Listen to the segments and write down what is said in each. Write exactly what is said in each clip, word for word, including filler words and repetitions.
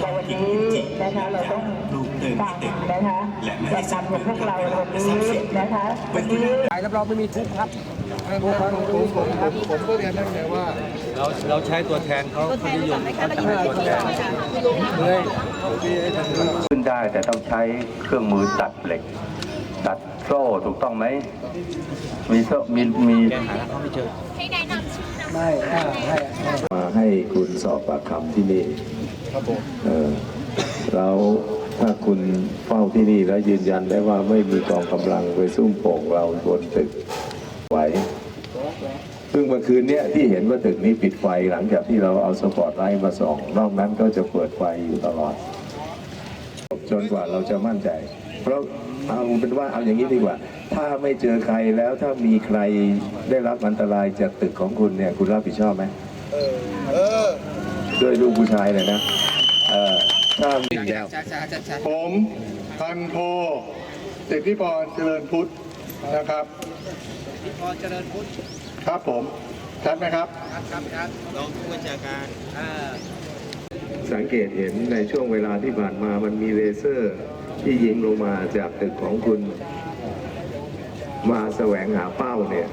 แต่วันนี้นะคะเราต้องฟังนะคะแกนนำของพวกเราวันนี้นะคะวันนี้รับรองไม่มีทุกข์ครับผมผมผมผมก็เรียนได้เลยว่าเราเราใช้ตัวแทนเขาเขานิยมเขาจะเป็นตัวแทนเลยขึ้นได้แต่ต้องใช้เครื่องมือตัดเหล็กตัดโซ่ถูกต้องไหมมีโซ่มีมีให้แนะนำชื่อนะไม่ให้มาให้คุณสอบปากคำที่นี่ครับผมเออแล้วถ้าคุณเฝ้าที่นี่แล้วยืนยันได้ว่าไม่มีกองกำลังไปซุ่มโป่งเราบนตึกไหวซึ่งเมื่อคืนนี้ที่เห็นว่าตึกนี้ปิดไฟหลังจากที่เราเอาสปอตไลท์มาส่องนอกนั้นก็จะเปิดไฟอยู่ตลอดจนกว่าเราจะมั่นใจเพราะเอาเป็นว่าเอาอย่างนี้ดีกว่าถ้าไม่เจอใครแล้วถ้ามีใครได้รับอันตรายจากตึกของคุณเนี่ยคุณรับผิดชอบไหมเออเออด้วยลูกผู้ชายเลยนะเออถ้ามีแล้วผมพันโทสิทธิพรเจริญพุทธนะครับสิทธิพรเจริญพุทธครับผมชัดไหมครับครับครับครับรองผู้บัญชาการสังเกตเห็นในช่วงเวลาที่ผ่านมามันมีเลเซอร์ที่ยิงลงมาจากตึกของคุณมาแสวงหาเป้าเนี่ย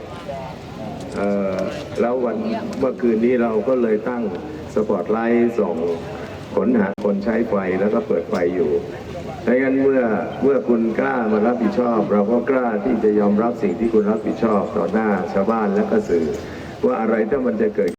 แล้ววันเมื่อคืนนี้เราก็เลยตั้งสปอตไลท์ส่องค้นหาคนใช้ไฟแล้วก็เปิดไฟอยู่ดังนั้นเมื่อเมื่อคุณกล้ามารับผิดชอบเราก็กล้าที่จะยอมรับสิ่งที่คุณรับผิดชอบต่อหน้าชาวบ้านและก็สื่อว่าอะไรถ้ามันจะเกิด